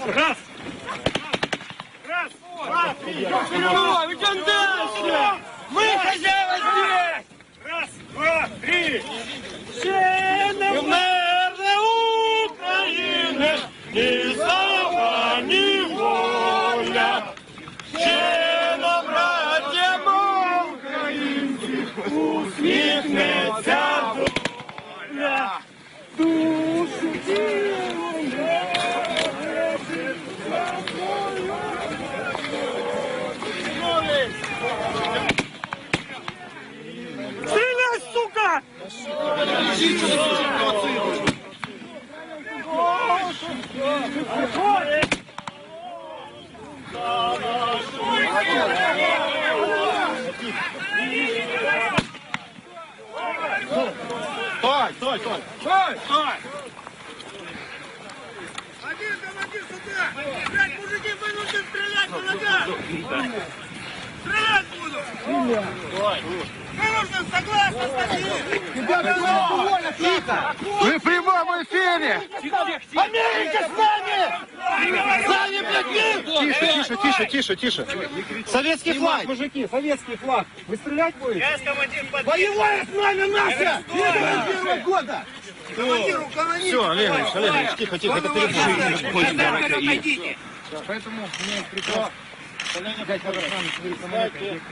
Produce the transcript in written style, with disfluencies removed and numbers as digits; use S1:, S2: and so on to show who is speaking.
S1: Раз! Раз! Два! Три! Идем дальше! Мы хозяева здесь! Раз! Два! Три! Все наверное, Украины! Ни слава, ни воля! Все на братья українці! Усміхнеться доля! Душу тілом лежить за тобою. Стреляй, сука! Стой! Один командир сюда! Блядь, мужики, вы нужно стрелять по ногам! Стрелять буду! Вы нужно согласно статьи! Ребята, тихо!
S2: Вы в прямом эфире!
S1: Америка с нами! С нами, блядь,
S2: Тише.
S1: Советский флаг, мужики, советский флаг. Вы стрелять будете? Боевая с нами наша! 21 года!
S2: Все, Олегович, тихо, это перепутали.
S1: Поэтому мне приказ.